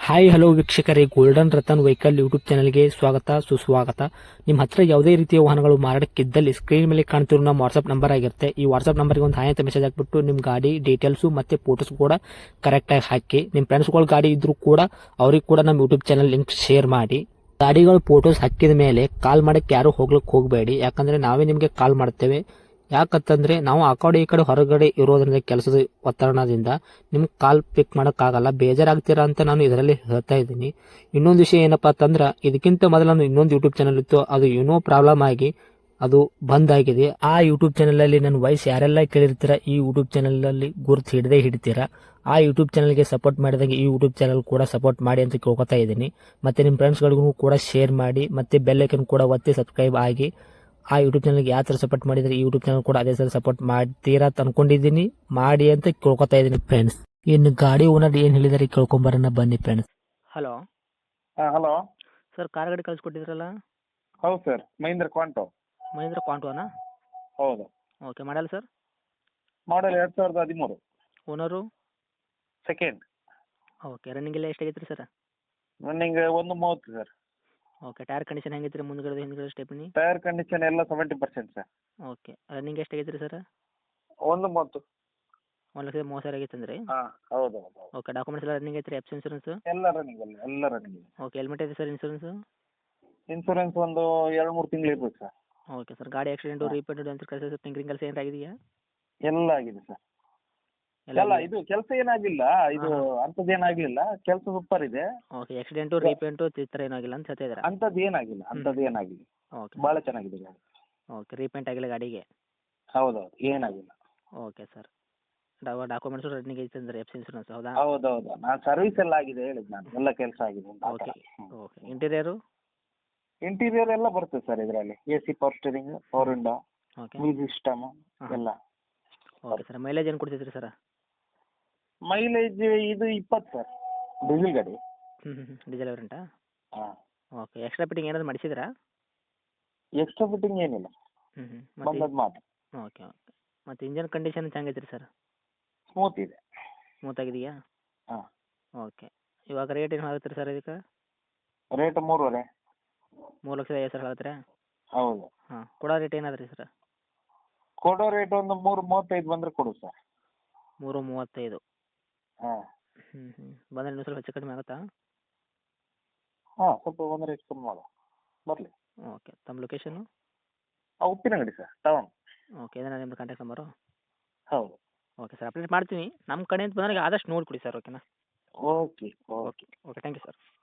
Hi hello ವೀಕ್ಷಕರೇ, Golden Ratan Vehicle YouTube ಚಾನಲ್ಗೆ ಸ್ವಾಗತ ಸುಸ್ವಾಗತ. ನಿಮ್ಮ ಹತ್ರ ಯಾವುದೇ ರೀತಿಯ ವಾಹನಗಳು ಮಾರಾಟಕ್ಕಿದ್ದಲ್ಲಿ ಸ್ಕ್ರೀನ್ ಮೇಲೆ ಕಾಣ್ತಿರೋ ನಮ್ಮ ವಾಟ್ಸ್ಆಪ್ ನಂಬರ್ ಆಗಿರುತ್ತೆ. ಈ ವಾಟ್ಸ್ಆಪ್ ನಂಬರ್ಗೆ ಒಂದು ಹಾಯ್ ಅಂತ ಮೆಸೇಜ್ ಹಾಕ್ಬಿಟ್ಟು ನಿಮ್ಮ ಗಾಡಿ ಡೀಟೇಲ್ಸು ಮತ್ತೆ ಫೋಟೋಸ್ ಕೂಡ ಕರೆಕ್ಟಾಗಿ ಹಾಕಿ. ನಿಮ್ಮ ಫ್ರೆಂಡ್ಸ್ಗಳ ಗಾಡಿ ಇದ್ರೂ ಕೂಡ ಅವ್ರಿಗೆ ಕೂಡ ನಮ್ಮ ಯೂಟ್ಯೂಬ್ ಚಾನಲ್ ಲಿಂಕ್ ಶೇರ್ ಮಾಡಿ. ಗಾಡಿಗಳು ಫೋಟೋಸ್ ಹಾಕಿದ ಮೇಲೆ ಕಾಲ್ ಮಾಡಕ್ಕೆ ಯಾರು ಹೋಗ್ಲಿಕ್ಕೆ ಹೋಗಬೇಡಿ, ಯಾಕಂದ್ರೆ ನಾವೇ ನಿಮಗೆ ಕಾಲ್ ಮಾಡ್ತೇವೆ. ಯಾಕಂತಂದ್ರೆ ನಾವು ಆ ಕಡೆ ಈ ಕಡೆ ಹೊರಗಡೆ ಇರೋದ್ರಿಂದ ಕೆಲಸದ ಒತ್ತಡದಿಂದ ನಿಮ್ಗೆ ಕಾಲ್ ಪಿಕ್ ಮಾಡೋಕ್ಕಾಗಲ್ಲ, ಬೇಜಾರಾಗ್ತೀರಾ ಅಂತ ನಾನು ಇದರಲ್ಲಿ ಹೇಳ್ತಾ ಇದ್ದೀನಿ. ಇನ್ನೊಂದು ವಿಷಯ ಏನಪ್ಪಾ ಅಂತಂದ್ರೆ, ಇದಕ್ಕಿಂತ ಮೊದಲು ನಾನು ಇನ್ನೊಂದು ಯೂಟ್ಯೂಬ್ ಚಾನಲ್ ಇತ್ತು, ಅದು ಏನೋ ಪ್ರಾಬ್ಲಮ್ ಆಗಿ ಅದು ಬಂದ್ ಆಗಿದೆ. ಆ ಯೂಟ್ಯೂಬ್ ಚಾನಲ್ ಅಲ್ಲಿ ನನ್ನ ವಾಯ್ಸ್ ಯಾರೆಲ್ಲ ಕೇಳಿರ್ತೀರಾ, ಈ ಯೂಟ್ಯೂಬ್ ಚಾನಲ್ ಅಲ್ಲಿ ಗುರುತು ಹಿಡದೇ ಹಿಡಿತೀರಾ. ಆ ಯೂಟ್ಯೂಬ್ ಚಾನಲ್ಗೆ ಸಪೋರ್ಟ್ ಮಾಡಿದಾಗ ಈ ಯೂಟ್ಯೂಬ್ ಚಾನಲ್ ಕೂಡ ಸಪೋರ್ಟ್ ಮಾಡಿ ಅಂತ ಕೇಳ್ಕೊತಾ ಇದ್ದೀನಿ. ಮತ್ತೆ ನಿಮ್ಮ ಫ್ರೆಂಡ್ಸ್ಗಳಿಗೂ ಕೂಡ ಶೇರ್ ಮಾಡಿ, ಮತ್ತೆ ಬೆಲ್ ಐಕನ್ ಕೂಡ ಒತ್ತಿ ಸಬ್ಸ್ಕ್ರೈಬ್ ಆಗಿ. ಆ ಯೂಟ್ಯೂಬ್ ಚಾನಲ್ಗೆ ಯಾವ ಥರ ಸಪೋರ್ಟ್ ಮಾಡಿದ್ರೆ ಈ ಯೂಟ್ಯೂಬ್ ಚಾನಲ್ ಕೂಡ ಅದೇ ಥರ ಸಪೋರ್ಟ್ ಮಾಡ್ತೀರಾ ಅಂತ ಅನ್ಕೊಂಡಿದ್ದೀನಿ. ಮಾಡಿ ಅಂತ ಕೇಳ್ಕೊತಾ ಇದ್ದೀನಿ ಫ್ರೆಂಡ್ಸ್. ಇನ್ನು ಗಾಡಿ ಓನರ್ ಏನು ಹೇಳಿದಾರೆ ಕೇಳ್ಕೊಂಬರೋಣ ಬನ್ನಿ friends. Hello hello. Sir, car ಗಾಡಿ ಕಳಿಸ್ಕೊಟ್ಟಿದ್ರಲ್ಲ? ಹೌದು ಸರ್, ಮಹೀಂದ್ರ ಕ್ವಾಂಟೋ. ಮಹೀಂದ್ರ ಕ್ವಾಂಟೋನಾ? ಹೌದು. Okay, model sir? Model 2013. Owner? Second. Okay, running ಎಲ್ಲ ಎಷ್ಟಾಗೈತೆ ರೀ sir? Running 130 sir. Okay, tyre condition ಹೆಂಗೈತೆ ರೀ ಮುಂದ್ಗಡೆ ಹಿಂದ್ಗಡೆ ಸ್ಟೆಪ್ನಿ? ಟೈರ್ ಕಂಡೀಷನ್ ಎಲ್ಲ 70% ಸರ್. ಓಕೆ, ರನ್ನಿಂಗ್ ಎಷ್ಟಾಗೈತೆ ರೀ ಸರ್? 130. 1,30,000 ಆಗೈತೆ ಅಂದ್ರೆ? ಹಾಂ, ಹೌದು ಹೌದು ಹೌದು. ಓಕೆ, ಡಾಕ್ಯುಮೆಂಟ್ಸ್ ಎಲ್ಲ ರನ್ನಿಂಗ್ ಐತೆ ರೀ? F insurance? ಎಲ್ಲ ರನ್ನಿಂಗ್, ಎಲ್ಲ ರನ್ನಿಂಗ್ ಇದೆ. ಓಕೆ, ಹೆಲ್ಮೆಟ್ ಐತೆ ಸರ್ ಇನ್ಸೂರೆನ್ಸು? ಇನ್ಸೂರೆನ್ಸ್ ಒಂದು 2-3 ತಿಂಗಳು ಇರ್ಬೇಕು ಸರ್. ಓಕೆ ಸರ್, ಗಾಡಿ ಆಕ್ಸಿಡೆಂಟು ರೀಪೇಂಟು ಅಂತ ಕೆಲಸ ಟಿಂಕರಿಂಗ್ ಕೆಲಸ ಏನು ಆಗಿದೆಯಾ? ಎಲ್ಲ ಆಗಿದೆ ಸರ್. ಎಲ್ಲ ಇದು ಕೆಲಸ ಏನಾಗಿಲ್ಲ, ಇದು ಅಂಥದ್ದೇನಾಗಲಿಲ್ಲ, ಕೆಲಸ ಸೂಪರ್ ಇದೆ. ಓಕೆ, ಆಕ್ಸಿಡೆಂಟು ರೀಪೇಂಟು ಈ ಥರ ಏನಾಗಿಲ್ಲ ಅಂತ ಹೇಳ್ತಾ ಇದ್ದೀರಾ? ಅಂಥದ್ದೇನಾಗಿಲ್ಲ. ಓಕೆ ಭಾಳ ಚೆನ್ನಾಗಿದೆ ಗಾಡಿ. ಓಕೆ, ರೀಪೇಂಟ್ ಆಗಿಲ್ಲ ಗಾಡಿಗೆ? ಹೌದೌದು, ಏನಾಗಿಲ್ಲ. ಓಕೆ ಸರ್, ಡಾಕ್ಯುಮೆಂಟ್ಸು ರನ್ನಿಂಗ್ ಐತೆ ಅಂದರೆ ಎಫ್ ಇನ್ಸೂರೆನ್ಸ್ ಹೌದಾ? ಹೌದೌದು, ನಾನು ಸರ್ವಿಸ್ ಎಲ್ಲ ಆಗಿದೆ ಹೇಳಿದ್ದು, ನಾನು ಎಲ್ಲ ಕೆಲಸ ಆಗಿದೆ ಅಂತ ಆ ಥರ. Okay okay, interior? ಇಂಟೀರಿಯರ್ ಎಲ್ಲ ಬರ್ತದೆ ಸರ್ ಇದರಲ್ಲಿ. AC, power steering, power window, okay music system ಎಲ್ಲ. ಓಕೆ ಸರ್, ಮೈಲೇಜ್ ಏನು ಕೊಡ್ತೈತ್ರಿ ಸರ್? ಮೈಲೇಜ್ ಇದು 20 ಸರ್, ಡೀಸೆಲ್ ಗಾಡಿ. ಡೀಸೆಲ್ ವೇರಿಯಂಟಾ? ಹಾಂ. ಓಕೆ, ಎಕ್ಸ್ಟ್ರಾ ಫಿಟ್ಟಿಂಗ್ ಏನಾದ್ರು ಮಾಡಿಸಿದ್ರಾ? ಎಕ್ಸ್ಟ್ರಾ ಫಿಟ್ಟಿಂಗ್ ಏನಿಲ್ಲ, ಮತ್ತು ಬಂದದ್ದು ಮಾತ್ರ. ಓಕೆ ಓಕೆ, ಮತ್ತು ಇಂಜನ್ ಕಂಡೀಷನ್ ಹೆಂಗೈತೆ ರೀ ಸರ್? ಸ್ಮೂತ್ ಇದೆ. ಸ್ಮೂತ್ ಆಗಿದೆಯಾ? ಹಾಂ. ಓಕೆ, ಇವಾಗ ರೇಟ್ ಏನು ಆಗುತ್ತೆ ರೀ ಸರ್ ಇದಕ್ಕೆ? ರೇಟ್ 3.5. 3,50,000 ಹೇಳ್ತೀರಾ? ಹೌದು. ಹಾಂ, ಕೊಡೋ ರೇಟ್ ಏನಾದ್ರಿ ಸರ್? ಕೊಡೋ ರೇಟ್ ಒಂದು 3.35 ಬಂದರೆ ಕೊಡು ಸರ್. 3,35. ಹಾಂ. ಬಂದರೆ ಇನ್ನೂ ಸ್ವಲ್ಪ ಹೆಚ್ಚು ಕಡಿಮೆ ಆಗುತ್ತಾ? ಹಾಂ, ಸ್ವಲ್ಪ ಬಂದರೆ ಹೆಚ್ಚು ಕಮ್ಮಿ ಮಾಡುವ, ಬರಲಿ. ಓಕೆ, ತಮ್ಮ location? Uppinangadi sir, town. Okay, ಇದೇನಾ ನಿಮ್ಮದು ಕಾಂಟ್ಯಾಕ್ಟ್ ನಂಬರು? ಹೌದು. ಓಕೆ ಸರ್, ಅಪ್ಡೇಟ್ ಮಾಡ್ತೀನಿ. ನಮ್ಮ ಕಡೆಯಿಂದ ಬಂದಾಗ ಆದಷ್ಟು ನೋಡಿಕೊಡಿ ಸರ್, ಓಕೆನಾ? Okay okay. Okay okay, thank you sir.